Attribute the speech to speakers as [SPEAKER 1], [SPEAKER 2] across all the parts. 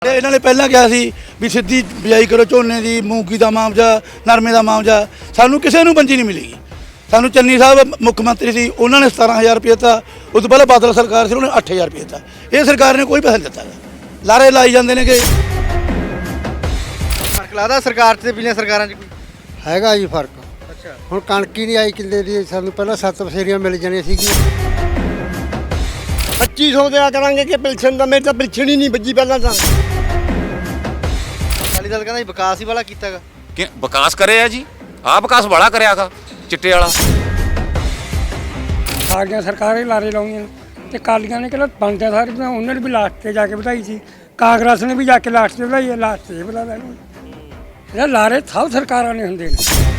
[SPEAKER 1] ਇਹਨਾਂ ਨੇ ਪਹਿਲਾਂ ਕਿਹਾ ਸੀ ਵੀ ਸਿੱਧੀ ਬਿਜਾਈ ਕਰੋ ਝੋਨੇ ਦੀ, ਮੂੰਗੀ ਦਾ ਮਾਮਜਾ, ਨਰਮੇ ਦਾ ਮਾਮਜਾ। ਸਾਨੂੰ ਕਿਸੇ ਨੂੰ ਪੰਜੀ ਨਹੀਂ ਮਿਲੇਗੀ। ਸਾਨੂੰ ਚੰਨੀ ਸਾਹਿਬ ਮੁੱਖ ਮੰਤਰੀ ਸੀ, ਉਹਨਾਂ ਨੇ 17,000 ਰੁਪਏ ਦਿੱਤਾ। ਉਸ ਤੋਂ ਪਹਿਲਾਂ ਬਾਦਲ ਸਰਕਾਰ ਸੀ, ਉਹਨੇ 8,000 ਰੁਪਏ ਦਿੱਤਾ। ਇਹ ਸਰਕਾਰ ਨੇ ਕੋਈ ਪੈਸਾ ਨਹੀਂ ਦਿੱਤਾ। ਲਾਰੇ ਲਾਈ ਜਾਂਦੇ ਨੇ ਕਿ
[SPEAKER 2] ਫਰਕ ਲੱਗਦਾ ਸਰਕਾਰ ਤੇ ਪਿਛਲੀਆਂ ਸਰਕਾਰਾਂ 'ਚ ਕੋਈ
[SPEAKER 3] ਹੈਗਾ ਜੀ ਫਰਕ।
[SPEAKER 2] ਅੱਛਾ,
[SPEAKER 3] ਹੁਣ ਕਣਕ ਹੀ ਨਹੀਂ ਆਈ ਕਿੱਲੇ ਦੀ, ਸਾਨੂੰ ਪਹਿਲਾਂ 7 ਬਸੇਰੀਆਂ ਮਿਲ ਜਾਣੀਆਂ ਸੀਗੀਆਂ।
[SPEAKER 4] 2500 ਦਿਆ ਕਰਾਂਗੇ ਕਿ ਪਿਲਸਨ ਦਾ, ਮੇਰੇ ਤਾਂ ਪਿਲਸਨ ਹੀ ਨਹੀਂ ਵੱਜੀ ਪਹਿਲਾਂ ਤਾਂ।
[SPEAKER 2] ਅਕਾਲੀ ਦਲ ਕਹਿੰਦਾ ਵਿਕਾਸ ਹੀ ਵਾਲਾ ਕੀਤਾਗਾ।
[SPEAKER 5] ਕਿ ਵਿਕਾਸ ਕਰਿਆ ਜੀ, ਆਹ ਵਿਕਾਸ ਬੜਾ ਕਰਿਆਗਾ ਚਿੱਟੇ ਵਾਲਾ।
[SPEAKER 6] ਸਾਰੀਆਂ ਸਰਕਾਰਾਂ ਹੀ ਲਾਰੇ ਲਾਉਂਦੀਆਂ ਨੇ ਤੇ ਕਾਲੀਆਂ ਨੇ ਕਿਹੜਾ ਬਣਦੇ ਸਾਰੇ ਬਣਾ, ਉਹਨਾਂ ਨੇ ਵੀ ਲਾਸਟ ਤੇ ਜਾ ਕੇ ਵਧਾਈ ਸੀ। ਕਾਂਗਰਸ ਨੇ ਵੀ ਜਾ ਕੇ ਲਾਸਟ ਤੇ ਵਧਾਈ ਹੈ, ਲਾਸਟ ਤੇ ਵਧਾ ਲੈਣੀ। ਇਹ ਲਾਰੇ ਸਭ ਸਰਕਾਰਾਂ ਨੇ ਹੁੰਦੇ ਨੇ।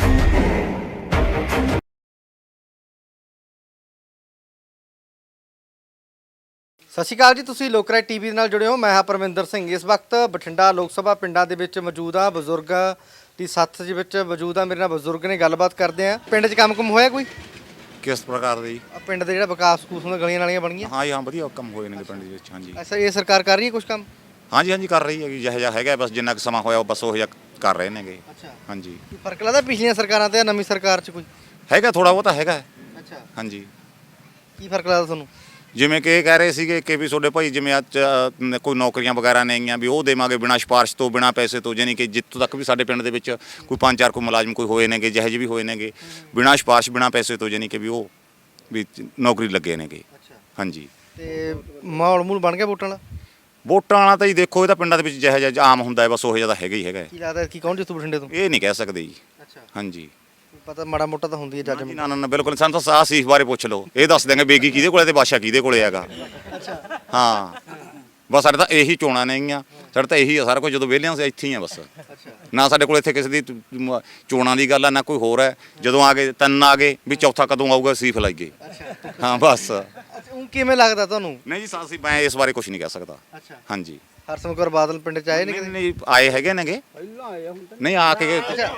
[SPEAKER 2] ਸਤਿ ਸ਼੍ਰੀ ਅਕਾਲ ਜੀ, ਤੁਸੀਂ ਲੋਕਰਾਏ ਟੀਵੀ ਦੇ ਨਾਲ ਜੁੜੇ ਹੋ। ਮੈਂ ਹਾਂ ਪਰਮਿੰਦਰ ਸਿੰਘ। ਇਸ ਵਕਤ ਬਠਿੰਡਾ ਲੋਕ ਸਭਾ ਪਿੰਡਾਂ ਦੇ ਵਿੱਚ ਮੌਜੂਦ ਆ, ਬਜ਼ੁਰਗਾਂ ਦੀ ਸੱਥ ਦੇ ਵਿੱਚ ਮੌਜੂਦ ਆ। ਮੇਰੇ ਨਾਲ ਬਜ਼ੁਰਗ ਨੇ, ਗੱਲਬਾਤ ਕਰਦੇ ਆ। ਪਿੰਡ 'ਚ ਕੰਮ ਹੋਇਆ ਕੋਈ?
[SPEAKER 5] ਕਿਸ ਪ੍ਰਕਾਰ ਦੇ ਜੀ?
[SPEAKER 2] ਪਿੰਡ ਦੇ ਜਿਹੜਾ ਵਿਕਾਸ ਸਕੂਲ ਹੁੰਦਾ, ਗਲੀਆਂ ਨਾਲੀਆਂ ਬਣ ਗਈਆਂ?
[SPEAKER 5] ਹਾਂ ਜੀ, ਹਾਂ, ਵਧੀਆ ਕੰਮ ਹੋਏ ਨੇ ਪਿੰਡ ਦੇ ਵਿੱਚ। ਹਾਂਜੀ
[SPEAKER 2] ਅੱਛਾ, ਇਹ ਸਰਕਾਰ ਕਰ ਰਹੀ ਹੈ ਕੁਝ ਕੰਮ?
[SPEAKER 5] ਹਾਂਜੀ ਹਾਂਜੀ, ਕਰ ਰਹੀ ਹੈਗੀ। ਜਿਹੋ ਜਿਹਾ ਹੈਗਾ ਬਸ ਜਿੰਨਾ ਕੁ ਸਮਾਂ ਹੋਇਆ ਉਹ ਬਸ ਉਹ ਜਿਹਾ ਕਰ ਰਹੇ ਨੇਗੇ।
[SPEAKER 2] ਅੱਛਾ,
[SPEAKER 5] ਹਾਂਜੀ।
[SPEAKER 2] ਕੀ ਫਰਕ ਲੱਗਦਾ ਪਿਛਲੀਆਂ ਸਰਕਾਰਾਂ ਤੇ ਨਵੀਂ ਸਰਕਾਰ 'ਚ ਕੋਈ?
[SPEAKER 5] ਹੈਗਾ ਥੋੜਾ ਬਹੁਤਾ ਹੈਗਾ।
[SPEAKER 2] ਅੱਛਾ,
[SPEAKER 5] ਹਾਂਜੀ।
[SPEAKER 2] ਕੀ ਫਰਕ ਲੱਗਦਾ ਤੁਹਾਨੂੰ?
[SPEAKER 5] ਜਿਵੇਂ ਕਿ ਇਹ ਕਹਿ ਰਹੇ ਸੀਗੇ ਕਿ ਵੀ ਤੁਹਾਡੇ ਭਾਈ ਜਿਵੇਂ ਅੱਜ ਕੋਈ ਨੌਕਰੀਆਂ ਵਗੈਰਾ ਨਹੀਂ ਆਈਆਂ ਵੀ ਉਹ ਦੇਵਾਂਗੇ ਬਿਨਾਂ ਸਿਫਾਰਿਸ਼ ਤੋਂ, ਬਿਨਾਂ ਪੈਸੇ ਤੋਂ। ਯਾਨੀ ਕਿ ਜਿੱਥੋਂ ਤੱਕ ਵੀ ਸਾਡੇ ਪਿੰਡ ਦੇ ਵਿੱਚ ਕੋਈ 5-4 ਕੋਈ ਮੁਲਾਜ਼ਮ ਕੋਈ ਹੋਏ ਨੇਗੇ, ਜਿਹੋ ਜਿਹੇ ਵੀ ਹੋਏ ਨੇਗੇ, ਬਿਨਾਂ ਸਿਫਾਰਿਸ਼, ਬਿਨਾਂ ਪੈਸੇ ਤੋਂ, ਯਾਨੀ ਕਿ ਵੀ ਉਹ ਵੀ ਨੌਕਰੀ ਲੱਗੇ ਨੇਗੇ।
[SPEAKER 2] ਅੱਛਾ,
[SPEAKER 5] ਹਾਂਜੀ।
[SPEAKER 2] ਤੇ ਮਾਹੌਲ ਮੂਲ ਬਣ ਗਿਆ ਵੋਟਾਂ ਵਾਲਾ?
[SPEAKER 5] ਵੋਟਾਂ ਵਾਲਾ ਤਾਂ ਜੀ ਦੇਖੋ, ਇਹ ਤਾਂ ਪਿੰਡਾਂ ਦੇ ਵਿੱਚ ਜਿਹੋ ਜਿਹਾ ਆਮ ਹੁੰਦਾ ਹੈ ਬਸ ਉਹ ਜਿਹਾ ਤਾਂ ਹੈਗਾ ਹੀ ਹੈਗਾ।
[SPEAKER 2] ਕੀ ਲੱਗਦਾ ਕੀ ਕੌਣ ਜਿੱਤੂ ਬਠਿੰਡੇ ਤੋਂ?
[SPEAKER 5] ਇਹ ਨਹੀਂ ਕਹਿ ਸਕਦੇ ਜੀ।
[SPEAKER 2] ਅੱਛਾ,
[SPEAKER 5] ਹਾਂਜੀ।
[SPEAKER 2] ਪਤਾ ਮਾੜਾ ਮੋਟਾ ਤਾਂ ਹੁੰਦੀ ਹੈ ਜੱਜ।
[SPEAKER 5] ਨਾ ਨਾ ਨਾ, ਬਿਲਕੁਲ। ਸਾਨੂੰ ਤਾਂ ਸਾਹ ਸੀਸ ਬਾਰੇ ਪੁੱਛ ਲਓ, ਇਹ ਦੱਸ ਦਿਆਂਗੇ ਬੇਗੀ ਕਿਹਦੇ ਕੋਲੇ ਤੇ ਬਾਦਸ਼ਾਹ ਕਿਹਦੇ ਕੋਲੇ ਹੈਗਾ। ਹਾਂ, ਬਸ ਸਾਡੇ ਤਾਂ ਇਹੀ ਚੋਣਾਂ ਨੇਗੀਆਂ, ਸਾਡੇ ਤਾਂ ਇਹੀ ਆ ਸਾਰਾ ਕੁਝ। ਜਦੋਂ ਵਿਹਲਿਆਂ ਅਸੀਂ ਇੱਥੇ ਹੀ ਆ ਬਸ। ਨਾ ਸਾਡੇ ਕੋਲ ਇੱਥੇ ਕਿਸੇ ਦੀ ਚੋਣਾਂ ਦੀ ਗੱਲ ਆ, ਨਾ ਕੋਈ ਹੋਰ ਹੈ। ਜਦੋਂ ਆ ਗਏ 3 ਆ ਗਏ ਵੀ ਚੌਥਾ ਕਦੋਂ ਆਊਗਾ ਸੀਫ ਲਾਈਏ। ਹਾਂ ਬਸ।
[SPEAKER 2] ਉਹ ਕਿਵੇਂ ਲੱਗਦਾ ਤੁਹਾਨੂੰ?
[SPEAKER 5] ਨਹੀਂ ਜੀ, ਸਾਸੀ ਮੈਂ ਇਸ ਬਾਰੇ ਕੁਝ ਨਹੀਂ ਕਹਿ ਸਕਦਾ।
[SPEAKER 2] ਅੱਛਾ,
[SPEAKER 5] ਹਾਂਜੀ।
[SPEAKER 2] ਹਰਸਿਮਰਤ ਕੌਰ ਬਾਦਲ ਪਿੰਡ 'ਚ ਆਏ ਨੇ
[SPEAKER 5] ਨਹੀਂ
[SPEAKER 2] ਕਦੇ?
[SPEAKER 5] ਨਹੀਂ, ਆਏ ਹੈਗੇ ਨੇਗੇ। ਨਹੀਂ ਆ ਕੇ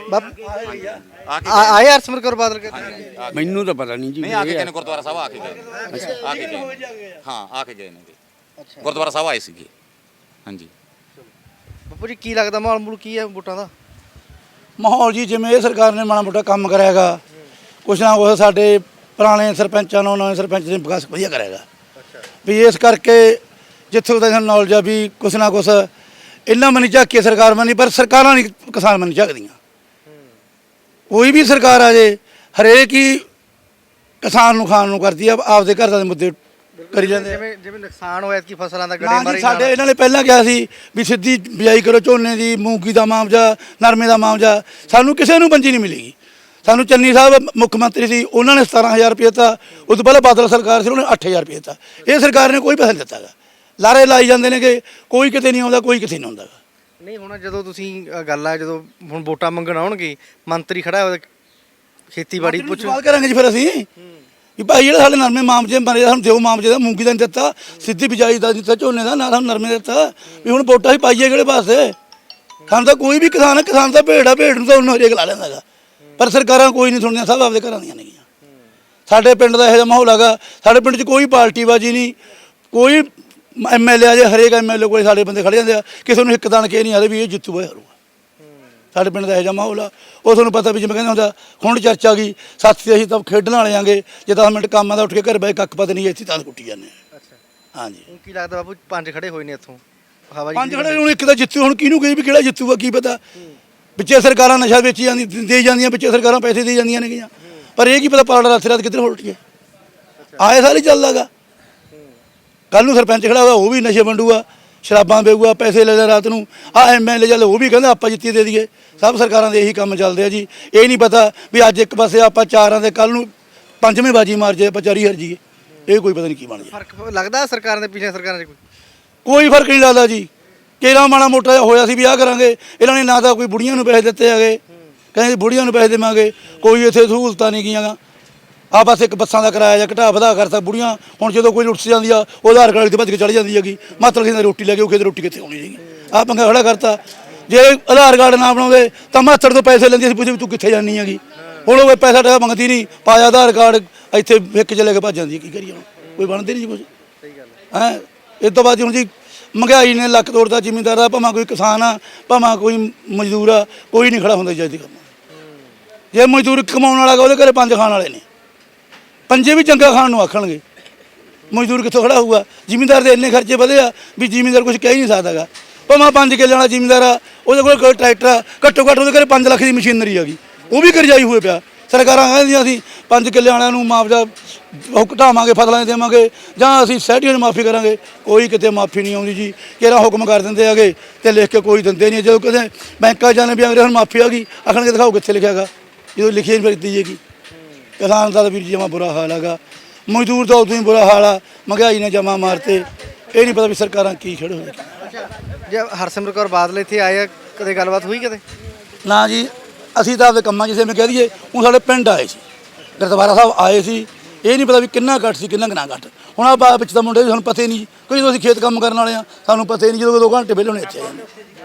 [SPEAKER 2] ਆਏ ਹਰਸਿਮਰਤ ਕੌਰ ਬਾਦਲ ਕਹਿੰਦੇ?
[SPEAKER 6] ਮੈਨੂੰ ਤਾਂ ਪਤਾ ਨਹੀਂ ਜੀ।
[SPEAKER 5] ਨਹੀਂ ਆ ਕੇ ਗਏ ਨੇ ਗੁਰਦੁਆਰਾ ਸਾਹਿਬ, ਆ ਕੇ ਗਏ। ਆ ਕੇ ਗਏ। ਹਾਂ, ਆ ਕੇ ਗਏ ਨੇਗੇ ਗੁਰਦੁਆਰਾ ਸਾਹਿਬ ਆਏ ਸੀਗੇ। ਹਾਂਜੀ।
[SPEAKER 2] ਬਾਪੂ ਜੀ, ਕੀ ਲੱਗਦਾ ਮਾਹੌਲ ਮੂਲ ਕੀ ਹੈ ਵੋਟਾਂ ਦਾ?
[SPEAKER 1] ਮਾਹੌਲ ਜੀ ਜਿਵੇਂ ਇਹ ਸਰਕਾਰ ਨੇ ਮਾੜਾ ਮੋਟਾ ਕੰਮ ਕਰਿਆਗਾ, ਕੁਛ ਨਾ ਕੁਛ ਸਾਡੇ ਪੁਰਾਣੇ ਸਰਪੰਚਾਂ ਨੂੰ ਨਵੇਂ ਸਰਪੰਚ ਨੇ ਵਿਕਾਸ ਵਧੀਆ ਕਰਿਆਗਾ। ਵੀ ਇਸ ਕਰਕੇ ਜਿੱਥੋਂ ਤੱਕ ਸਾਨੂੰ ਨੌਲੇਜ ਆ ਵੀ ਕੁਛ ਨਾ ਕੁਛ ਇਹਨਾਂ ਮਨੀ ਝਾਕੀ ਸਰਕਾਰ ਮਨੀ, ਪਰ ਸਰਕਾਰਾਂ ਨਹੀਂ ਕਿਸਾਨ ਮਨੀ ਝਾਕਦੀਆਂ। ਕੋਈ ਵੀ ਸਰਕਾਰ ਆ ਜੇ, ਹਰੇਕ ਹੀ ਕਿਸਾਨ ਨੂੰ ਖਾਣ ਨੂੰ ਕਰਦੀ ਆ, ਆਪਦੇ ਘਰ ਦੇ ਮੁੱਦੇ ਕਰੀ ਜਾਂਦੇ।
[SPEAKER 2] ਜਿਵੇਂ ਨੁਕਸਾਨ ਹੋਇਆ ਕਿ ਫਸਲਾਂ ਦਾ
[SPEAKER 1] ਨਾ
[SPEAKER 2] ਗੜੇ
[SPEAKER 1] ਜੀ,
[SPEAKER 2] ਮਾਰੇ
[SPEAKER 1] ਸਾਡੇ ਇਹਨਾਂ ਨੇ ਪਹਿਲਾਂ ਕਿਹਾ ਸੀ ਵੀ ਸਿੱਧੀ ਬਿਜਾਈ ਕਰੋ ਝੋਨੇ ਦੀ, ਮੂੰਗੀ ਦਾ ਮਾਮਜਾ, ਨਰਮੇ ਦਾ ਮਾਮਜਾ। ਸਾਨੂੰ ਕਿਸੇ ਨੂੰ ਪੰਜੀ ਨਹੀਂ ਮਿਲੇਗੀ। ਸਾਨੂੰ ਚੰਨੀ ਸਾਹਿਬ ਮੁੱਖ ਮੰਤਰੀ ਸੀ, ਉਹਨਾਂ ਨੇ 17,000 ਰੁਪਏ ਦਿੱਤਾ। ਉਸ ਤੋਂ ਪਹਿਲਾਂ ਬਾਦਲ ਸਰਕਾਰ ਸੀ, ਉਹਨੇ 8,000 ਰੁਪਏ ਦਿੱਤਾ। ਇਹ ਸਰਕਾਰ ਨੇ ਕੋਈ ਪੈਸਾ ਨਹੀਂ ਦਿੱਤਾ ਗਾ। ਲਾਰੇ ਲਾਈ ਜਾਂਦੇ ਨੇ ਕਿ ਕੋਈ ਕਿਤੇ ਨਹੀਂ ਆਉਂਦਾ, ਕੋਈ ਕਿਤੇ ਨਹੀਂ ਆਉਂਦਾ।
[SPEAKER 2] ਨਹੀਂ, ਹੁਣ ਜਦੋਂ ਤੁਸੀਂ ਗੱਲ ਆ, ਜਦੋਂ ਹੁਣ ਵੋਟਾਂ ਮੰਗਣ ਆਉਣਗੇ, ਮੰਤਰੀ ਖੜਾ ਹੋਇਆ ਖੇਤੀਬਾੜੀ ਪੁੱਛ
[SPEAKER 1] ਸਵਾਲ ਕਰਾਂਗੇ ਜੀ ਫਿਰ ਅਸੀਂ ਵੀ ਭਾਈ ਜਿਹੜਾ ਸਾਡੇ ਨਰਮੇ ਮਾਮਜੇ ਮਰੇ, ਸਾਨੂੰ ਦਿਓ ਮਾਮਜੇ ਦਾ, ਮੂੰਗੀ ਦਾ ਨਹੀਂ ਦਿੱਤਾ, ਸਿੱਧੀ ਬਿਜਾਈ ਦਾ ਦਿੱਤਾ, ਝੋਨੇ ਦਾ ਨਾ, ਸਾਨੂੰ ਨਰਮੇ ਦਾ ਦਿੱਤਾ। ਵੀ ਹੁਣ ਵੋਟਾਂ ਹੀ ਪਾਈਏ ਕਿਹੜੇ ਪਾਸੇ? ਸਾਨੂੰ ਤਾਂ ਕੋਈ ਵੀ ਕਿਸਾਨ ਹੈ, ਕਿਸਾਨ ਤਾਂ ਭੇਡ ਆ, ਭੇਡ ਨੂੰ ਤਾਂ ਉਹਨੂੰ ਹਰੇਕ ਲਾ ਲੈਂਦਾ ਗਾ। ਪਰ ਸਰਕਾਰਾਂ ਕੋਈ ਨਹੀਂ ਸੁਣਦੀਆਂ, ਸਭ ਆਪਦੇ ਘਰਾਂ ਦੀਆਂ ਨੇਗੀਆਂ। ਸਾਡੇ ਪਿੰਡ ਦਾ ਇਹੋ ਜਿਹਾ ਮਾਹੌਲ ਹੈਗਾ। ਸਾਡੇ ਪਿੰਡ 'ਚ ਕੋਈ ਪਾਰਟੀਬਾਜ਼ੀ ਨਹੀਂ, ਕੋਈ MLA ਆ ਜੇ, ਹਰੇਕ MLA ਕੋਲ ਸਾਡੇ ਬੰਦੇ ਖੜੇ ਜਾਂਦੇ ਆ। ਕਿਸੇ ਨੂੰ ਇੱਕ ਦਾਣ ਕੇ ਨਹੀਂ ਆਦੇ ਵੀ ਇਹ ਜਿੱਤੂਗਾ ਹਾਰੂਗਾ। ਸਾਡੇ ਪਿੰਡ ਦਾ ਇਹੋ ਜਿਹਾ ਮਾਹੌਲ ਆ। ਉਹ ਤੁਹਾਨੂੰ ਪਤਾ ਵੀ ਜਿਵੇਂ ਕਹਿੰਦੇ ਹੁੰਦਾ ਹੁਣ ਚਰਚਾ ਗਈ ਸਾਥੀ, ਅਸੀਂ ਤਾਂ ਖੇਡਣ ਵਾਲੇ ਆਂਗੇ, ਜੇ 10 ਮਿੰਟ ਕੰਮ ਆਦਾ ਉੱਠ ਕੇ ਘਰ ਬੈ ਕੱਖ ਪਤ ਨਹੀਂ, ਇੱਥੇ ਤਾਂ ਕੁੱਟੀ ਜਾਂਦੇ ਆ।
[SPEAKER 2] ਅੱਛਾ,
[SPEAKER 1] ਹਾਂਜੀ।
[SPEAKER 2] ਹੁਣ ਕੀ ਲੱਗਦਾ ਬਾਪੂ, 5 ਖੜੇ ਹੋਏ ਨੇ ਇੱਥੋਂ ਹਵਾ
[SPEAKER 1] 5 ਖੜੇ ਹੁਣ ਇੱਕ ਤਾਂ ਜਿੱਤੂ, ਹੁਣ ਕਿਹਨੂੰ ਕਹੀ ਵੀ ਕਿਹੜਾ ਜਿੱਤੂਗਾ ਕੀ ਪਤਾ। ਵਿੱਚੇ ਸਰਕਾਰਾਂ ਨਸ਼ਾ ਵੇਚੀ ਜਾਂਦੀ ਦੇ ਜਾਂਦੀਆਂ, ਵਿੱਚੇ ਸਰਕਾਰਾਂ ਪੈਸੇ ਦੇ ਜਾਂਦੀਆਂ ਨੇਗੀਆਂ, ਪਰ ਇਹ ਕੀ ਪਤਾ ਪਾਲੜਾ ਰਾਤ ਰਾਤ ਕਿੱਧਰ ਉਲਟੀਏ। ਆਏ ਸਾਰੀ ਚੱਲਦਾ ਗਾ। ਕੱਲ ਨੂੰ ਸਰਪੰਚ ਖੜਾ ਹੋਇਆ, ਉਹ ਵੀ ਨਸ਼ੇ ਵੰਡੂਗਾ, ਸ਼ਰਾਬਾਂ ਵੇਚੂਗਾ, ਪੈਸੇ ਲੈ ਲੈ ਰਾਤ ਨੂੰ। MLA ਚੱਲ ਉਹ ਵੀ ਕਹਿੰਦਾ ਆਪਾਂ ਜਿੱਤੀ ਦੇ ਦਈਏ। ਸਭ ਸਰਕਾਰਾਂ ਦੇ ਇਹੀ ਕੰਮ ਚੱਲਦੇ ਆ ਜੀ। ਇਹ ਨਹੀਂ ਪਤਾ ਵੀ ਅੱਜ ਇੱਕ ਪਾਸੇ ਆਪਾਂ 4 ਦੇ, ਕੱਲ ਨੂੰ 5ਵੀਂ ਬਾਜੀ ਮਾਰ ਜੇ ਆਪਾਂ 4 ਹਰ ਜੀਏ। ਇਹ ਕੋਈ ਪਤਾ ਨਹੀਂ ਕੀ ਬਣ ਜਾਏ।
[SPEAKER 2] ਫਰਕ ਲੱਗਦਾ ਸਰਕਾਰਾਂ ਦੇ ਪਿਛਲੀਆਂ ਸਰਕਾਰਾਂ 'ਚ
[SPEAKER 1] ਕੋਈ ਫਰਕ ਨਹੀਂ ਲੱਗਦਾ ਜੀ। ਕਿਹੜਾ ਮਾੜਾ ਮੋਟਾ ਜਿਹਾ ਹੋਇਆ ਸੀ ਵੀ ਆਹ ਕਰਾਂਗੇ, ਇਹਨਾਂ ਨੇ ਨਾ ਤਾਂ ਕੋਈ ਬੁੜੀਆਂ ਨੂੰ ਪੈਸੇ ਦਿੱਤੇ ਹੈਗੇ, ਕਹਿੰਦੇ ਬੁੜੀਆਂ ਨੂੰ ਪੈਸੇ ਦੇਵਾਂਗੇ, ਕੋਈ ਇੱਥੇ ਸਹੂਲਤਾਂ ਨਹੀਂ ਗਈਆਂ। ਆ ਬਸ ਇੱਕ ਬੱਸਾਂ ਦਾ ਕਿਰਾਇਆ ਜਾਂ ਘਟਾ ਵਧਾ ਕਰਤਾ। ਬੁੜੀਆਂ ਹੁਣ ਜਦੋਂ ਕੋਈ ਲੁੱਟ ਜਾਂਦੀ ਆ, ਉਹ ਆਧਾਰ ਕਾਰਡ ਤੇ ਭੱਜ ਕੇ ਚੜ ਜਾਂਦੀ ਹੈਗੀ। ਮਤਲਬ ਕਿ ਰੋਟੀ ਲੈ ਕੇ ਉਹ ਕਿਤੇ ਰੋਟੀ ਕਿੱਥੇ ਆਉਣੀ ਸੀਗੀ। ਆਹ ਪੰਗਾ ਖੜਾ ਕਰਤਾ। ਜੇ ਆਧਾਰ ਕਾਰਡ ਨਾ ਬਣਾਉਂਦੇ ਤਾਂ ਮਾਤੜ ਤੋਂ ਪੈਸੇ ਲੈਂਦੀ ਸੀ, ਪੁੱਛੇ ਵੀ ਤੂੰ ਕਿੱਥੇ ਜਾਣੀ ਹੈਗੀ। ਹੁਣ ਉਹ ਪੈਸਾ ਟਕਾ ਮੰਗਦੀ ਨਹੀਂ, ਪਾਇਆ ਆਧਾਰ ਕਾਰਡ, ਇੱਥੇ ਇੱਕ ਚ ਲੈ ਕੇ ਭੱਜ ਜਾਂਦੀ। ਕੀ ਕਰੀਏ ਹੁਣ, ਕੋਈ ਬਣਦੇ ਨਹੀਂ ਜੀ ਕੁਝ। ਸਹੀ ਗੱਲ ਹੈ। ਇਸ ਤੋਂ ਬਾਅਦ ਹੁਣ ਜੀ ਮਹਿੰਗਾਈ ਨੇ ਲੱਕ ਤੋੜਦਾ ਜ਼ਿਮੀਂਦਾਰ ਦਾ, ਭਾਵੇਂ ਕੋਈ ਕਿਸਾਨ ਆ ਭਾਵੇਂ ਕੋਈ ਮਜ਼ਦੂਰ ਆ, ਕੋਈ ਨਹੀਂ ਖੜਾ ਹੁੰਦਾ ਜੱਜ ਕੰਮ। ਜੇ ਮਜ਼ਦੂਰ ਕਮਾਉਣ ਵਾਲਾ ਗਾ ਉਹਦੇ ਘਰੇ ਪੰਜ ਖਾਣ ਵਾਲੇ ਨੇ, ਪੰਜੇ ਵੀ ਚੰਗਾ ਖਾਣ ਨੂੰ ਆਖਣਗੇ, ਮਜ਼ਦੂਰ ਕਿੱਥੋਂ ਖੜਾ ਹੋਊਗਾ? ਜ਼ਿਮੀਂਦਾਰ ਦੇ ਇੰਨੇ ਖਰਚੇ ਵਧੇ ਆ ਵੀ ਜ਼ਿਮੀਂਦਾਰ ਕੁਝ ਕਹਿ ਹੀ ਨਹੀਂ ਸਕਦਾ ਗਾ। ਭਾਵੇਂ 5 ਕਿੱਲੇ ਵਾਲਾ ਜ਼ਿਮੀਂਦਾਰ ਆ, ਉਹਦੇ ਕੋਲ ਕੋਈ ਟਰੈਕਟਰ ਆ, ਘੱਟੋ ਘੱਟ ਉਹਦੇ ਘਰੇ 5 ਲੱਖ ਦੀ ਮਸ਼ੀਨਰੀ ਆ ਗਈ, ਉਹ ਵੀ ਕਰਜ਼ਾਈ ਹੋਏ ਪਿਆ। ਸਰਕਾਰਾਂ ਕਹਿੰਦੀਆਂ ਅਸੀਂ 5 ਕਿੱਲੇ ਵਾਲਿਆਂ ਨੂੰ ਮੁਆਵਜ਼ਾ ਉਹ ਘਟਾਵਾਂਗੇ, ਫਸਲਾਂ 'ਚ ਦੇਵਾਂਗੇ, ਜਾਂ ਅਸੀਂ ਸੋਸਾਇਟੀਆਂ ਨੂੰ ਮਾਫੀ ਕਰਾਂਗੇ। ਕੋਈ ਕਿਤੇ ਮਾਫੀ ਨਹੀਂ ਆਉਂਦੀ ਜੀ, ਕਿਹੜਾ ਹੁਕਮ ਕਰ ਦਿੰਦੇ ਹੈਗੇ ਤੇ ਲਿਖ ਕੇ ਕੋਈ ਦਿੰਦੇ ਨਹੀਂ। ਜਦੋਂ ਕਿਤੇ ਬੈਂਕਾਂ ਜਾਣੇ ਵੀ ਅੰਗਰੇ ਹੁਣ ਮਾਫੀ ਆ ਗਈ, ਆਖਣਗੇ ਦਿਖਾਓ ਕਿੱਥੇ ਲਿਖਿਆ ਗਾ, ਜਦੋਂ ਲਿਖੀ ਨਹੀਂ ਫਿਰ ਦਿੱਤੀ ਜਾਏਗੀ। ਕਿਸਾਨ ਦਾ ਤਾਂ ਵੀਰ ਜਮਾ ਬੁਰਾ ਹਾਲ ਹੈਗਾ, ਮਜ਼ਦੂਰ ਦਾ ਉਦੋਂ ਹੀ ਬੁਰਾ ਹਾਲ ਆ, ਮਹਿੰਗਾਈ ਨੇ ਜਮਾ ਮਾਰਤੇ। ਇਹ ਨਹੀਂ ਪਤਾ ਵੀ ਸਰਕਾਰਾਂ ਕੀ ਖੜੇ ਹੋਏ।
[SPEAKER 2] ਜੇ ਹਰਸਿਮਰਤ ਕੌਰ ਬਾਦਲ ਇੱਥੇ ਆਏ ਆ, ਕਦੇ ਗੱਲਬਾਤ ਹੋਈ ਕਦੇ?
[SPEAKER 1] ਨਾ ਜੀ, ਅਸੀਂ ਤਾਂ ਆਪਦੇ ਕੰਮਾਂ 'ਚ ਜਿਵੇਂ ਕਹਿ ਦਈਏ, ਹੁਣ ਸਾਡੇ ਪਿੰਡ ਆਏ ਸੀ, ਗੁਰਦੁਆਰਾ ਸਾਹਿਬ ਆਏ ਸੀ, ਇਹ ਨਹੀਂ ਪਤਾ ਵੀ ਕਿੰਨਾ ਘੱਟ ਸੀ ਕਿੰਨਾ ਨਾ ਘੱਟ। ਹੁਣ ਆ ਵਿੱਚ ਤਾਂ ਮੁੰਡੇ ਸਾਨੂੰ ਪਤਾ ਹੀ ਨਹੀਂ, ਕੋਈ ਜਦੋਂ ਅਸੀਂ ਖੇਤ ਕੰਮ ਕਰਨ ਵਾਲੇ ਆ ਸਾਨੂੰ ਪਤਾ ਹੀ ਨਹੀਂ, ਜਦੋਂ 2 ਘੰਟੇ ਵਿਹਲੇ ਹੋਣੇ ਇੱਥੇ ਆ ਜਾਂਦੇ।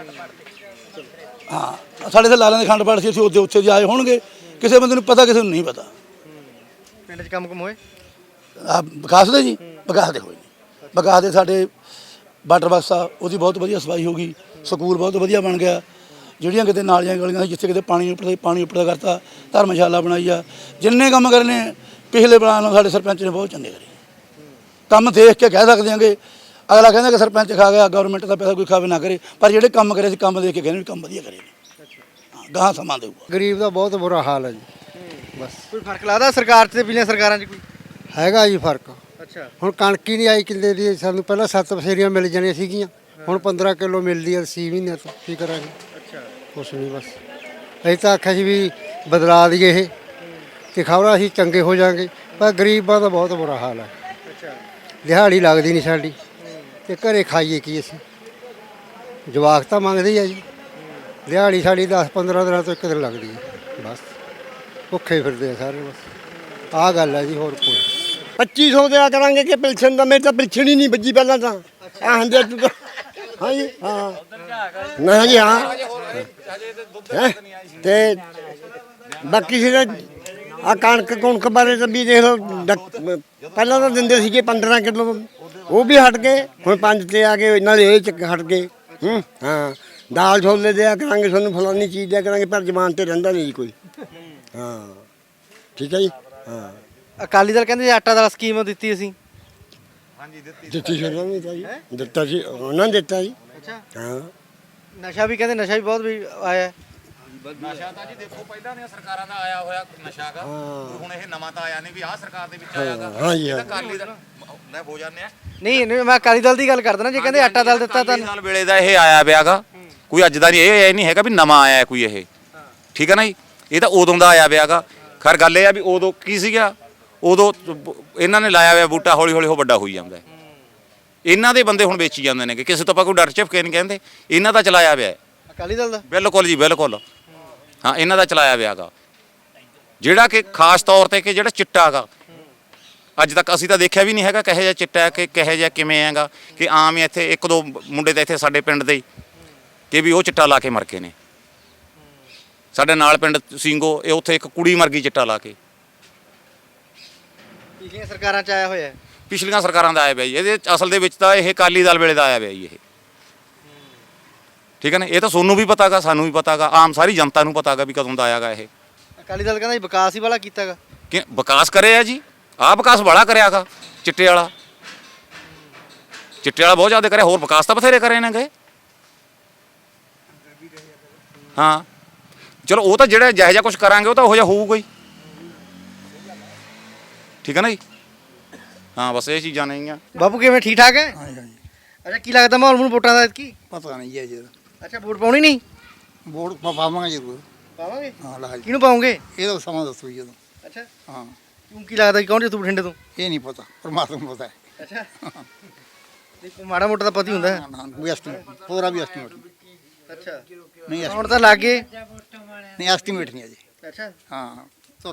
[SPEAKER 1] ਹਾਂ, ਸਾਡੇ ਤਾਂ ਲਾਲਾਂ ਦੇ ਖੰਡ ਪਾਠ ਸੀ, ਅਸੀਂ ਉੱਥੇ ਆਏ ਹੋਣਗੇ, ਕਿਸੇ ਬੰਦੇ ਨੂੰ ਪਤਾ, ਕਿਸੇ ਨੂੰ ਨਹੀਂ ਪਤਾ।
[SPEAKER 2] ਪਿੰਡ 'ਚ ਕੰਮ ਹੋਏ
[SPEAKER 1] ਆ ਵਿਕਾਸ ਦੇ ਜੀ, ਵਿਕਾਸ ਦੇ ਹੋਏ ਨੇ। ਵਿਕਾਸ ਦੇ ਸਾਡੇ ਵਾਟਰ ਬਾਕਸ ਆ, ਉਹਦੀ ਬਹੁਤ ਵਧੀਆ ਸਫਾਈ ਹੋ ਗਈ, ਸਕੂਲ ਬਹੁਤ ਵਧੀਆ ਬਣ ਗਿਆ, ਜਿਹੜੀਆਂ ਕਿਤੇ ਨਾਲੀਆਂ ਗਲੀਆਂ ਸੀ ਜਿੱਥੇ ਕਿਤੇ ਪਾਣੀ ਉੱਪਰ ਕਰਤਾ, ਧਰਮਸ਼ਾਲਾ ਬਣਾਈ ਆ। ਜਿੰਨੇ ਕੰਮ ਕਰਨੇ ਪਿਛਲੇ ਪਲਾਨ ਨਾਲ ਸਾਡੇ ਸਰਪੰਚ ਨੇ ਬਹੁਤ ਚੰਗੇ ਕਰੇ। ਕੰਮ ਦੇਖ ਕੇ ਕਹਿ ਸਕਦੇ ਆਂਗੇ, ਅਗਲਾ ਕਹਿੰਦਾ ਕਿ ਸਰਪੰਚ ਖਾ ਗਿਆ, ਗਵਰਨਮੈਂਟ ਦਾ ਪੈਸਾ ਕੋਈ ਖਾਵੇ ਨਾ ਕਰੇ, ਪਰ ਜਿਹੜੇ ਕੰਮ ਕਰੇ ਸੀ ਕੰਮ ਦੇਖ ਕੇ ਕਹਿੰਦੇ ਵੀ ਕੰਮ ਵਧੀਆ ਕਰੇ ਨੇ। ਹਾਂ, ਗਾਹਾਂ ਸਮਾਂ ਦੇਊਗਾ।
[SPEAKER 3] ਗਰੀਬ ਦਾ ਬਹੁਤ ਬੁਰਾ ਹਾਲ ਹੈ ਜੀ, ਬਸ
[SPEAKER 2] ਕੋਈ ਫਰਕ ਲੱਗਦਾ ਸਰਕਾਰ 'ਚ ਤੇ ਪਿਛਲੀਆਂ ਸਰਕਾਰਾਂ 'ਚ ਕੋਈ?
[SPEAKER 3] ਹੈਗਾ ਜੀ ਫਰਕ।
[SPEAKER 2] ਅੱਛਾ,
[SPEAKER 3] ਹੁਣ ਕਣਕ ਹੀ ਨਹੀਂ ਆਈ ਕਿੱਲੇ ਦੀ, ਸਾਨੂੰ ਪਹਿਲਾਂ 7 ਬਸੇਰੀਆਂ ਮਿਲ ਜਾਣੀਆਂ ਸੀਗੀਆਂ, ਹੁਣ 15 ਕਿਲੋ ਮਿਲਦੀ ਹੈ 6 ਮਹੀਨੇ ਤੋਂ। ਕੀ ਕਰਾਂਗੇ?
[SPEAKER 2] ਅੱਛਾ,
[SPEAKER 3] ਕੁਛ ਨਹੀਂ, ਬਸ ਅਸੀਂ ਤਾਂ ਆਖਿਆ ਸੀ ਵੀ ਬਦਲਾ ਦਈਏ ਇਹ ਤੇ ਖਬਰਾਂ ਅਸੀਂ ਚੰਗੇ ਹੋ ਜਾਾਂਗੇ, ਪਰ ਗਰੀਬਾਂ ਦਾ ਬਹੁਤ ਬੁਰਾ ਹਾਲ ਹੈ।
[SPEAKER 2] ਅੱਛਾ,
[SPEAKER 3] ਦਿਹਾੜੀ ਲੱਗਦੀ ਨਹੀਂ ਸਾਡੀ ਤੇ ਘਰੇ ਖਾਈਏ ਕੀ ਅਸੀਂ? ਜਵਾਕ ਤਾਂ ਮੰਗਦੇ ਹੀ ਆ ਜੀ, ਦਿਹਾੜੀ ਸਾਡੀ 10-15 ਦਿਨਾਂ ਤੋਂ 1 ਦਿਨ ਲੱਗਦੀ ਹੈ, ਬਸ ਭੁੱਖੇ ਫਿਰਦੇ ਆ ਸਾਰੇ। ਬਸ ਆਹ ਗੱਲ ਹੈ ਜੀ, ਹੋਰ ਕੋਈ
[SPEAKER 4] 2500 ਦਿਆ ਕਰਾਂਗੇ ਕਿ ਪੈਨਸ਼ਨ ਦਾ, ਮੇਰੇ ਤਾਂ ਪੈਨਸ਼ਨ ਹੀ ਨਹੀਂ ਵੱਜੀ ਪਹਿਲਾਂ ਤਾਂ। ਆ ਹੰਦੇ ਤੂੰ ਹਾਂ ਜੀ, ਹਾਂ ਨਾ ਜੀ, ਹਾਂ ਹੈਂ? ਤੇ ਬਾਕੀ ਸੀ ਆ ਕਣਕ ਬਾਰੇ ਤਾਂ ਵੀ ਦੇਖ ਲਓ, ਪਹਿਲਾਂ ਤਾਂ ਦਿੰਦੇ ਸੀਗੇ 15 ਕਿਲੋ, ਉਹ ਵੀ ਹਟ ਗਏ, ਹੁਣ 5 ਤੇ ਆ ਗਏ, ਨਾਲੇ ਇਹ ਚ ਹਟ ਗਏ। ਹਾਂ, ਦਾਲ ਛੋਲੇ ਦਿਆ ਕਰਾਂਗੇ ਤੁਹਾਨੂੰ, ਫਲਾਨੀ ਚੀਜ਼ ਦਿਆ ਕਰਾਂਗੇ, ਪਰ ਜ਼ਮਾਨ ਤੇ ਰਹਿੰਦਾ ਨਹੀਂ ਜੀ ਕੋਈ। ਹਾਂ, ਠੀਕ ਹੈ ਜੀ। ਹਾਂ,
[SPEAKER 2] ਅਕਾਲੀ ਦਲ ਕਹਿੰਦੇ ਆਟਾ ਦਾਲ ਸਕੀਮ ਦਿੱਤੀ ਅਸੀਂ।
[SPEAKER 3] ਦਿੱਤੀ ਸੀ ਉਹਨਾਂ ਨੇ ਤਾਂ ਜੀ, ਦਿੱਤਾ ਸੀ ਉਹਨਾਂ ਨੇ ਦਿੱਤਾ ਜੀ।
[SPEAKER 2] ਅੱਛਾ,
[SPEAKER 3] ਹਾਂ,
[SPEAKER 2] ਨਸ਼ਾ ਵੀ ਕਹਿੰਦੇ, ਨਸ਼ਾ ਵੀ ਬਹੁਤ ਵੀ ਆਇਆ।
[SPEAKER 5] ਨਸ਼ਾ ਤਾਂ ਜੀ ਦੇਖੋ ਪਹਿਲਾਂ ਦੀਆਂ ਸਰਕਾਰਾਂ ਦਾ ਆਇਆ ਹੋਇਆ ਨਸ਼ਾ ਗਾ, ਹੁਣ ਇਹ ਨਵਾਂ ਤਾਂ ਆਇਆ ਨਹੀਂ ਵੀ ਆਹ ਸਰਕਾਰ ਦੇ ਵਿੱਚ ਆਇਆਗਾ।
[SPEAKER 3] ਹਾਂ ਜੀ, ਹਾਂ।
[SPEAKER 5] ਅਕਾਲੀ ਦਲ ਲੈ ਹੋ ਜਾਂਦੇ ਆ,
[SPEAKER 2] ਨਹੀਂ ਮੈਂ ਅਕਾਲੀ ਦਲ ਦੀ ਗੱਲ ਕਰਦਾ ਨਾ, ਜੇ ਕਹਿੰਦੇ ਆਟਾ ਦਾਲ ਦਿੱਤਾ ਤਾਂ।
[SPEAKER 5] ਅਕਾਲੀ ਦਲ ਵੇਲੇ ਦਾ ਇਹ ਆਇਆ ਵਿਆਗਾ, ਕੋਈ ਅੱਜ ਦਾ ਨਹੀਂ, ਇਹ ਨਹੀਂ ਹੈਗਾ ਵੀ ਨਵਾਂ ਆਇਆ ਕੋਈ ਇਹ, ਠੀਕ ਹੈ ਨਾ ਜੀ। ਇਹ ਤਾਂ ਉਦੋਂ ਦਾ ਆਇਆ ਵਿਆਗਾ। ਖੈਰ ਗੱਲ ਇਹ ਆ ਵੀ ਉਦੋਂ ਕੀ ਸੀਗਾ, ਉਦੋਂ ਇਹਨਾਂ ਨੇ ਲਾਇਆ ਹੋਇਆ ਬੂਟਾ, ਹੌਲੀ ਹੌਲੀ ਉਹ ਵੱਡਾ ਹੋਈ ਜਾਂਦਾ। ਇਹਨਾਂ ਦੇ ਬੰਦੇ ਹੁਣ ਵੇਚੀ ਜਾਂਦੇ ਨੇ, ਕਿਸੇ ਤੋਂ ਆਪਾਂ ਕੋਈ ਡਰ ਝਪਕੇ ਨਹੀਂ ਕਹਿੰਦੇ, ਇਹਨਾਂ ਦਾ ਚਲਾਇਆ ਹੋਇਆ
[SPEAKER 2] ਅਕਾਲੀ ਦਲ ਦਾ।
[SPEAKER 5] ਬਿਲਕੁਲ ਜੀ, ਬਿਲਕੁਲ। ਹਾਂ, ਇਹਨਾਂ ਦਾ ਚਲਾਇਆ ਵਿਆਗਾ, ਜਿਹੜਾ ਕਿ ਖਾਸ ਤੌਰ ਤੇ ਕਿ ਜਿਹੜਾ ਚਿੱਟਾ ਹੈਗਾ, ਅੱਜ ਤੱਕ ਅਸੀਂ ਤਾਂ ਦੇਖਿਆ ਵੀ ਨਹੀਂ ਹੈਗਾ ਕਿਹੋ ਜਿਹਾ ਚਿੱਟਾ ਹੈ, ਕਿ ਕਿਹੋ ਜਿਹਾ ਕਿਵੇਂ ਹੈਗਾ। ਕਿ ਆਮ ਹੀ ਇੱਥੇ 1-2 ਮੁੰਡੇ ਤਾਂ ਇੱਥੇ ਸਾਡੇ ਪਿੰਡ ਦੇ ਕਿ ਵੀ ਉਹ ਚਿੱਟਾ ਲਾ ਕੇ ਮਰ ਗਏ ਨੇ। ਸਾਡੇ ਨਾਲ ਪਿੰਡ ਸਿੰਘੋ, ਇਹ ਉੱਥੇ ਇੱਕ ਕੁੜੀ ਮਰ ਗਈ ਚਿੱਟਾ ਲਾ ਕੇ।
[SPEAKER 2] ਪਿਛਲੀਆਂ ਸਰਕਾਰਾਂ 'ਚ ਆਇਆ ਹੋਇਆ ਹੈ।
[SPEAKER 5] ਪਿਛਲੀਆਂ ਸਰਕਾਰਾਂ ਦਾ ਆਇਆ ਪਿਆ ਜੀ, ਇਹਦੇ ਅਸਲ ਦੇ ਵਿੱਚ ਤਾਂ ਇਹ ਅਕਾਲੀ ਦਲ ਵੇਲੇ ਦਾ ਆਇਆ ਪਿਆ ਜੀ ਇਹ, ਠੀਕ ਹੈ ਨਾ। ਇਹ ਤਾਂ ਤੁਹਾਨੂੰ ਵੀ ਪਤਾ ਗਾ, ਸਾਨੂੰ ਵੀ ਪਤਾ ਗਾ, ਆਮ ਸਾਰੀ ਜਨਤਾ ਨੂੰ ਪਤਾ ਗਾ ਵੀ ਕਦੋਂ ਦਾ ਆਇਆਗਾ ਇਹ।
[SPEAKER 2] ਅਕਾਲੀ ਦਲ ਕਹਿੰਦਾ ਵਿਕਾਸ ਹੀ ਵਾਲਾ ਕੀਤਾਗਾ।
[SPEAKER 5] ਕਿ ਵਿਕਾਸ ਕਰਿਆ ਜੀ, ਆਹ ਵਿਕਾਸ ਬੜਾ ਕਰਿਆਗਾ ਚਿੱਟੇ ਵਾਲਾ। ਚਿੱਟੇ ਵਾਲਾ ਬਹੁਤ ਜ਼ਿਆਦਾ ਕਰਿਆ, ਹੋਰ ਵਿਕਾਸ ਤਾਂ ਬਥੇਰੇ ਕਰੇ ਨੇ ਗਏ। ਹਾਂ, ਚਲੋ ਉਹ ਤਾਂ ਜਿਹੜਾ ਜਿਹੋ ਜਿਹਾ ਕੁਝ ਕਰਾਂਗੇ ਉਹ ਤਾਂ ਉਹੋ ਜਿਹਾ ਹੋਊਗਾ ਹੀ, ਠੀਕ ਹੈ ਨਾ ਜੀ। ਹਾਂ, ਬਸ ਇਹ ਚੀਜ਼ਾਂ ਨੇਗੀਆਂ।
[SPEAKER 2] ਬਾਪੂ ਕਿਵੇਂ, ਠੀਕ ਠਾਕ ਹੈ?
[SPEAKER 1] ਹਾਂਜੀ ਹਾਂਜੀ,
[SPEAKER 2] ਅੱਛਾ, ਕੀ ਲੱਗਦਾ ਮਾਹੌਲ ਨੂੰ ਵੋਟਾਂ ਦਾ ਕੀ?
[SPEAKER 1] ਪਤਾ ਨਹੀਂ ਜੀ ਅਜੇ।
[SPEAKER 2] ਅੱਛਾ, ਵੋਟ ਪਾਉਣੀ ਨਹੀਂ?
[SPEAKER 1] ਵੋਟ ਪਾਵਾਂਗੇ ਜ਼ਰੂਰ।
[SPEAKER 2] ਪਾਵਾਂਗੇ?
[SPEAKER 1] ਹਾਂ, ਲਾਜ
[SPEAKER 2] ਕਿਹਨੂੰ ਪਾਉਂਗੇ?
[SPEAKER 1] ਇਹ ਤਾਂ ਸਮਾਂ ਦੱਸੋ ਜਦੋਂ।
[SPEAKER 2] ਅੱਛਾ,
[SPEAKER 1] ਹਾਂ,
[SPEAKER 2] ਤੂੰ ਕੀ ਲੱਗਦਾ ਕੌਣ ਜਿੱਤੂ ਬਠਿੰਡੇ ਤੋਂ?
[SPEAKER 1] ਇਹ ਨਹੀਂ ਪਤਾ, ਪਰਮਾਤਮਾ ਨੂੰ ਪਤਾ ਹੈ।
[SPEAKER 2] ਅੱਛਾ, ਦੇਖੋ ਮਾੜਾ ਮੋਟਾ ਤਾਂ ਪਤਾ ਹੀ ਹੁੰਦਾ ਹੈ।
[SPEAKER 1] ਨਾ ਕੋਈ ਐਸਟੀਮੇਟ, ਪੂਰਾ ਵੀ ਐਸਟੀਮੇਟ
[SPEAKER 2] ਅੱਛਾ,
[SPEAKER 1] ਨਹੀਂ,
[SPEAKER 2] ਹੁਣ ਤਾਂ ਲੱਗ ਗਏ।
[SPEAKER 1] ਨਹੀਂ ਐਸਟੀਮੇਟ ਨਹੀਂ ਅਜੇ।
[SPEAKER 2] ਅੱਛਾ,
[SPEAKER 1] ਹਾਂ,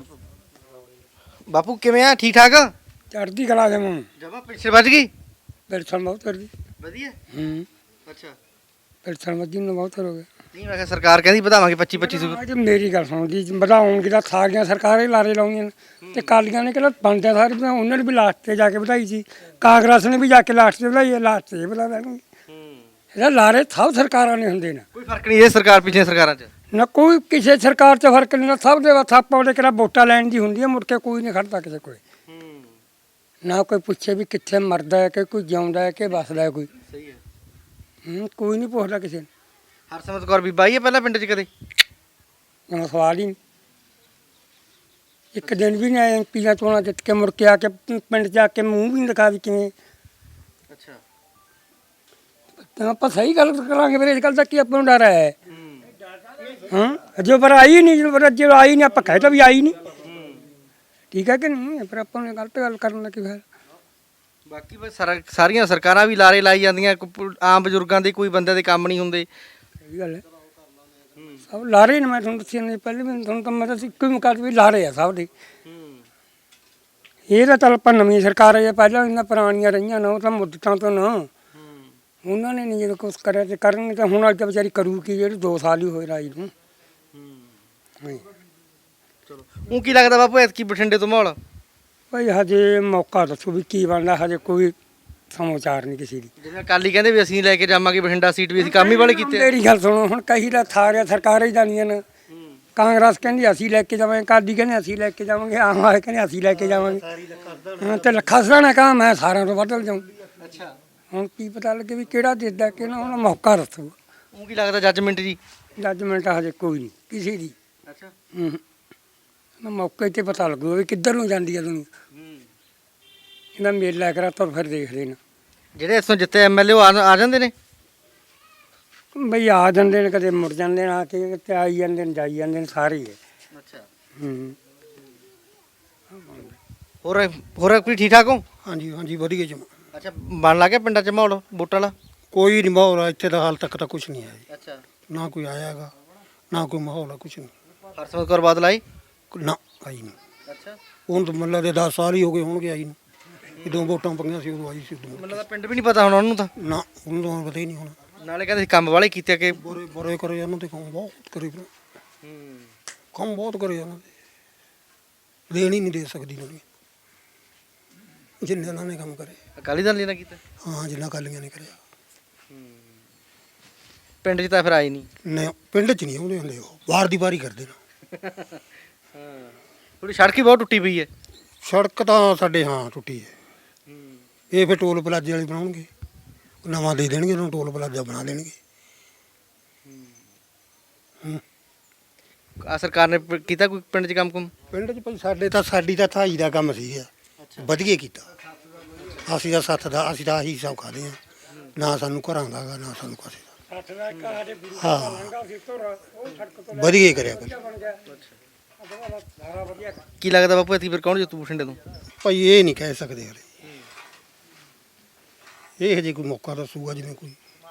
[SPEAKER 2] ਬਾਪੂ ਕਿਵੇਂ ਆ, ਠੀਕ ਠਾਕ?
[SPEAKER 6] ਚੜ੍ਹਦੀ ਕਲਾ ਦੇ ਮੂੰਹ
[SPEAKER 2] ਜਮਾ ਪਿੱਛੇ ਵੱਜ ਗਈ।
[SPEAKER 6] ਪੈਨਸ਼ਨ ਬਹੁਤ ਕਰ ਗਈ।
[SPEAKER 2] ਵਧੀਆ। ਅੱਛਾ,
[SPEAKER 6] ਪੈਨਸ਼ਨ ਵੱਧੀ ਨੂੰ ਬਹੁਤ ਹੋ ਗਿਆ।
[SPEAKER 2] ਨਹੀਂ ਮੈਂ ਕਿਹਾ ਸਰਕਾਰ ਕਹਿੰਦੀ ਵਧਾਵਾਂਗੇ 25-2500।
[SPEAKER 6] ਅੱਜ ਮੇਰੀ ਗੱਲ ਸੁਣੋ ਜੀ, ਵਧਾਉਣਗੇ ਤਾਂ ਸਾਰੀਆਂ ਸਰਕਾਰਾਂ ਹੀ ਲਾਰੇ ਲਾਉਂਦੀਆਂ ਨੇ, ਤੇ ਕਾਲੀਆਂ ਨੇ ਕਿਹੜਾ ਬਣਦਾ ਸਾਰੇ ਉਹਨਾਂ ਨੇ ਵੀ ਲਾਸਟ ਤੇ ਜਾ ਕੇ ਵਧਾਈ ਸੀ, ਕਾਂਗਰਸ ਨੇ ਵੀ ਜਾ ਕੇ ਲਾਸਟ ਤੇ ਵਧਾਈ ਹੈ, ਲਾਸਟ ਤੇ ਵਧਾ ਦੇਣਗੇ। ਇਹਦਾ ਲਾਰੇ ਸਭ ਸਰਕਾਰਾਂ ਨੇ ਹੁੰਦੇ ਨੇ,
[SPEAKER 2] ਕੋਈ ਫਰਕ ਨਹੀਂ ਇਹ ਸਰਕਾਰ ਪਿਛਲੇ ਸਰਕਾਰਾਂ 'ਚ।
[SPEAKER 6] ਨਾ ਕੋਈ ਕਿਸੇ ਸਰਕਾਰ 'ਚ ਫਰਕ ਨਹੀਂ, ਨਾ ਸਭ ਦੇ ਬਸ ਆਪਾਂ ਉਹਦੇ ਕਿਹੜਾ ਵੋਟਾਂ ਲੈਣ ਦੀ ਹੁੰਦੀ ਹੈ, ਮੁੜ ਕੇ ਕੋਈ ਨਹੀਂ ਖੜਦਾ ਕਿਸੇ ਕੋਲ। ਨਾ ਕੋਈ ਪੁੱਛੇ ਵੀ ਕਿੱਥੇ ਮਰਦਾ ਹੈ ਕਿ ਕੋਈ ਜਿਉਂਦਾ ਹੈ ਕਿ ਵੱਸਦਾ ਹੈ ਕੋਈ।
[SPEAKER 2] ਸਹੀ ਹੈ।
[SPEAKER 6] ਕੋਈ ਨਹੀਂ ਪੁੱਛਦਾ ਕਿਸੇ ਨੂੰ।
[SPEAKER 2] ਹਰਸਿਮਰਤ ਕੌਰ ਬੀਬੀ ਆਈ ਹੈ ਪਹਿਲਾਂ ਪਿੰਡ 'ਚ ਕਦੇ?
[SPEAKER 6] ਹੁਣ ਸਵਾਲ ਹੀ ਨਹੀਂ। ਇੱਕ ਦਿਨ ਵੀ ਨਹੀਂ ਆਏ ਐਮਪੀਆਂ ਚੋਣਾਂ ਜਿੱਤ ਕੇ ਮੁੜ ਕੇ ਆ ਕੇ ਪਿੰਡ 'ਚ ਆ ਕੇ ਮੂੰਹ ਵੀ ਨਹੀਂ ਦਿਖਾ ਵੀ ਕਿਵੇਂ।
[SPEAKER 2] ਅੱਛਾ।
[SPEAKER 6] ਤਾਂ ਆਪਾਂ ਸਹੀ ਗੱਲ ਕਰਾਂਗੇ ਫਿਰ, ਇਸ ਗੱਲ ਦਾ ਕੀ ਆਪਾਂ ਨੂੰ ਡਰ ਹੈ? ਹਾਂ ਜੋ ਪਰ ਆਈ ਨਹੀਂ, ਜੋ ਆਈ ਨਹੀਂ ਆਪਾਂ ਕਹਿ ਤਾ ਵੀ ਆਈ ਨਹੀਂ, ਠੀਕ ਹੈ ਕਿ ਨਹੀਂ? ਫਿਰ ਆਪਾਂ ਨੂੰ ਗਲਤ ਗੱਲ ਕਰਨ ਦਾ ਕੀ ਫਾਇਦਾ?
[SPEAKER 2] ਬਾਕੀ ਬਸ ਸਾਰੀਆਂ ਸਰਕਾਰਾਂ ਵੀ ਲਾਰੇ ਲਾਈ ਜਾਂਦੀਆਂ, ਆਮ ਬਜ਼ੁਰਗਾਂ ਦੇ ਕੋਈ ਬੰਦੇ ਦੇ ਕੰਮ ਨਹੀਂ ਹੁੰਦੇ।
[SPEAKER 6] ਸਹੀ ਗੱਲ ਹੈ, ਸਭ ਲਾਰੇ ਨੇ। ਮੈਂ ਤੁਹਾਨੂੰ ਦੱਸਿਆ ਨਹੀਂ ਪਹਿਲੇ ਵੀ, ਤੁਹਾਨੂੰ ਤਾਂ ਮੈਂ ਤਾਂ ਇੱਕੋ ਹੀ ਮੁਕਾਤ ਵੀ ਲਾਰੇ ਆ ਸਭ ਦੇ। ਇਹ ਤਾਂ ਚੱਲ ਆਪਾਂ ਨਵੀਂ ਸਰਕਾਰ ਹੈ, ਪਹਿਲਾਂ ਇਹਨਾਂ ਪੁਰਾਣੀਆਂ ਰਹੀਆਂ ਨਾ, ਉਹ ਤਾਂ ਮੁੱਦਤਾਂ ਤੋਂ ਨਾ ਉਹਨਾਂ ਨੇ ਨਹੀਂ ਜਦੋਂ ਕੁਛ ਕਰਿਆ ਤੇ ਕਰਨਗੇ ਤਾਂ ਹੁਣ ਅੱਜ ਤਾਂ ਵਿਚਾਰੀ ਕਰੂ ਕੀ, ਜਿਹੜੀ 2 ਸਾਲ ਹੀ ਹੋਏ ਰਾਜ ਨੂੰ।
[SPEAKER 2] ਚਲੋ ਉਹ ਕੀ ਲੱਗਦਾ ਬਾਪੂ ਐਤਕੀ ਬਠਿੰਡੇ ਤੋਂ ਮਾਹੌਲ?
[SPEAKER 6] ਭਾਈ ਹਜੇ ਮੌਕਾ ਦੱਸੋ ਵੀ ਕੀ ਬਣਦਾ, ਹਜੇ ਕੋਈ ਸਮਾਚਾਰ ਨਹੀਂ ਕਿਸੇ ਦੀ।
[SPEAKER 2] ਜਿਵੇਂ ਅਕਾਲੀ ਕਹਿੰਦੇ ਵੀ ਅਸੀਂ ਲੈ ਕੇ ਜਾਵਾਂਗੇ ਬਠਿੰਡਾ ਸੀਟ, ਵੀ ਅਸੀਂ ਕੰਮ ਹੀ ਵਾਲੇ ਕੀਤੇ।
[SPEAKER 6] ਮੇਰੀ ਗੱਲ ਸੁਣੋ, ਹੁਣ ਕਹੀ ਦਾ ਥਾਰਿਆ ਸਰਕਾਰਾਂ ਹੀ ਜਾਂਦੀਆਂ ਨੇ। ਕਾਂਗਰਸ ਕਹਿੰਦੀ ਅਸੀਂ ਲੈ ਕੇ ਜਾਵਾਂਗੇ, ਅਕਾਲੀ ਕਹਿੰਦੇ ਅਸੀਂ ਲੈ ਕੇ ਜਾਵਾਂਗੇ, ਆਮ ਆਦਮੀ ਕਹਿੰਦੇ ਅਸੀਂ ਲੈ ਕੇ ਜਾਵਾਂਗੇ। ਹਾਂ ਤੇ ਲੱਖਾ ਸਰਾਣਾ ਕਹਾਂ ਮੈਂ ਸਾਰਿਆਂ ਤੋਂ ਬਦਲ ਜਾਊਂ।
[SPEAKER 2] ਅੱਛਾ।
[SPEAKER 6] ਹੁਣ ਕੀ ਪਤਾ ਲੱਗੇ ਵੀ ਕਿਹੜਾ ਦੇਦਾ ਕਿਹੜਾ, ਹੁਣ ਮੌਕਾ ਦੱਸੋ।
[SPEAKER 2] ਉਹ ਕੀ ਲੱਗਦਾ ਜੱਜਮੈਂਟ ਜੀ?
[SPEAKER 6] ਜੱਜਮੈਂਟ ਹਜੇ ਕੋਈ ਨਹੀਂ ਕਿਸੇ ਦੀ।
[SPEAKER 2] ਅੱਛਾ।
[SPEAKER 6] ਮੌਕੇ ਤੇ ਪਤਾ ਲੱਗੂ ਵੀ ਕਿੱਧਰ ਨੂੰ ਜਾਂਦੀ ਹੈ ਦੁਨੀਆ। ਇਹਦਾ ਮੇਲਾ ਕਰਾ ਤੁਰ ਫਿਰ ਦੇਖਦੇ ਨੇ।
[SPEAKER 2] ਜਿਹੜੇ ਇਸੋਂ ਜਿੱਤੇ ਐਮਐਲਏ ਉਹ ਆ ਜਾਂਦੇ ਨੇ?
[SPEAKER 6] ਬਈ ਆ ਜਾਂਦੇ ਨੇ, ਕਦੇ ਮੁੜ ਜਾਂਦੇ ਨੇ, ਆ ਕੇ ਤੇ ਆਈ ਜਾਂਦੇ ਨੇ, ਜਾਈ ਜਾਂਦੇ ਨੇ, ਸਾਰੇ ਹੀ ਹੈ।
[SPEAKER 2] ਅੱਛਾ। ਹੋਰ ਕੋਈ ਠੀਕ ਠਾਕ ਹੋ?
[SPEAKER 3] ਹਾਂਜੀ ਹਾਂਜੀ ਵਧੀਆ ਜਮਾ।
[SPEAKER 2] ਅੱਛਾ, ਬਣ ਲੱਗ ਗਿਆ ਪਿੰਡਾਂ 'ਚ ਮਾਹੌਲ ਵੋਟਾਂ ਵਾਲਾ?
[SPEAKER 3] ਕੋਈ ਨਹੀਂ ਮਾਹੌਲ ਇੱਥੇ ਦਾ ਹਾਲ ਤੱਕ ਤਾਂ ਕੁਝ ਨਹੀਂ ਆਇਆ ਜੀ।
[SPEAKER 2] ਅੱਛਾ।
[SPEAKER 3] ਨਾ ਕੋਈ ਆਇਆ ਹੈਗਾ, ਨਾ ਕੋਈ ਮਾਹੌਲ ਆ, ਕੁਝ ਨਹੀਂ।
[SPEAKER 2] ਹਰਸਿਮਰਤ ਕੌਰ ਬਾਦਲ ਆਈ?
[SPEAKER 3] ਨਾ ਆਈ ਨਹੀਂ।
[SPEAKER 2] ਅੱਛਾ।
[SPEAKER 3] ਹੁਣ ਤਾਂ ਮੱਲਾ ਦੇ 10 ਸਾਲ ਹੀ ਹੋ ਗਏ ਹੋਣਗੇ ਆਈ ਨੂੰ। ਜਦੋਂ ਵੋਟਾਂ ਪਈਆਂ ਸੀ ਉਦੋਂ ਆਈ ਸੀ, ਉਦੋਂ।
[SPEAKER 2] ਮੈਨੂੰ ਲੱਗਦਾ ਪਿੰਡ ਵੀ ਨਹੀਂ ਪਤਾ ਹੋਣਾ ਉਹਨੂੰ ਤਾਂ।
[SPEAKER 3] ਨਾ ਉਹਨੂੰ ਤਾਂ ਪਤਾ ਹੀ ਨਹੀਂ ਹੋਣਾ।
[SPEAKER 2] ਨਾਲੇ ਕਹਿੰਦੇ ਸੀ ਕੰਮ ਵਾਲੇ ਕੀਤੇ ਕਿ
[SPEAKER 3] ਬੁਰੇ ਬੁਰੇ ਕਰੇ ਉਹਨਾਂ ਤੇ ਕੰਮ ਬਹੁਤ ਕਰੇ ਫਿਰ। ਕੰਮ ਬਹੁਤ ਕਰੇ ਉਹਨਾਂ ਦੇ, ਦੇਣ ਹੀ ਨਹੀਂ ਦੇ ਸਕਦੀ ਦੁਨੀਆ ਜਿੰਨੇ ਉਹਨਾਂ ਨੇ ਕੰਮ ਕਰੇ।
[SPEAKER 2] ਅਕਾਲੀ ਦਲ ਨੇ ਨਾ ਕੀਤਾ?
[SPEAKER 3] ਹਾਂ ਜਿੰਨਾ ਕਾਲੀਆਂ ਨੇ ਕਰਿਆ।
[SPEAKER 2] ਪਿੰਡ 'ਚ ਤਾਂ ਫਿਰ ਆਈ ਨਹੀਂ।
[SPEAKER 3] ਨਹੀਂ ਪਿੰਡ 'ਚ ਨਹੀਂ ਆਉਂਦੇ ਹੁੰਦੇ, ਉਹ ਵਾਰ ਦੀ ਵਾਰੀ ਕਰਦੇ ਨੇ।
[SPEAKER 2] ਥੋੜੀ ਸੜਕ ਹੀ ਬਹੁਤ ਟੁੱਟੀ ਪਈ ਹੈ।
[SPEAKER 3] ਸੜਕ ਤਾਂ ਸਾਡੇ ਹਾਂ ਟੁੱਟੀ ਹੈ। ਇਹ ਫਿਰ ਟੋਲ ਪਲਾਜ਼ੇ ਵਾਲੇ ਬਣਾਉਣਗੇ, ਨਵਾਂ ਦੇ ਦੇਣਗੇ ਉਹਨੂੰ, ਟੋਲ ਪਲਾਜ਼ਾ ਬਣਾ ਦੇਣਗੇ।
[SPEAKER 2] ਆ ਸਰਕਾਰ ਨੇ ਕੀਤਾ ਕੋਈ ਪਿੰਡ 'ਚ ਕੰਮ?
[SPEAKER 3] ਪਿੰਡ 'ਚ ਭਾਈ ਸਾਡੀ ਤਾਂ ਥਾਈ ਦਾ ਕੰਮ ਸੀ, ਵਧੀਆ ਕੀਤਾ। ਅਸੀਂ ਤਾਂ ਸੱਥ ਦਾ, ਅਸੀਂ ਤਾਂ ਆਹੀ ਸਭ ਖਾਦੇ ਹਾਂ, ਨਾ ਸਾਨੂੰ ਘਰਾਂ ਦਾ ਗਾ, ਨਾ ਸਾਨੂੰ ਕਿਸੇ ਦਾ। ਹਾਂ ਵਧੀਆ ਕਰਿਆ ਕਰ।
[SPEAKER 2] ਕੀ ਲੱਗਦਾ ਬਾਪੂ ਐਤਕੀ ਫਿਰ ਕੌਣ ਜਿੱਤੂ ਬਠਿੰਡੇ ਤੋਂ?
[SPEAKER 3] ਭਾਈ ਇਹ ਨਹੀਂ ਕਹਿ ਸਕਦੇ ਹਲੇ, ਇਹ ਹਜੇ ਕੋਈ ਮੌਕਾ ਦੱਸੂਗਾ ਜਿਵੇਂ ਕੋਈ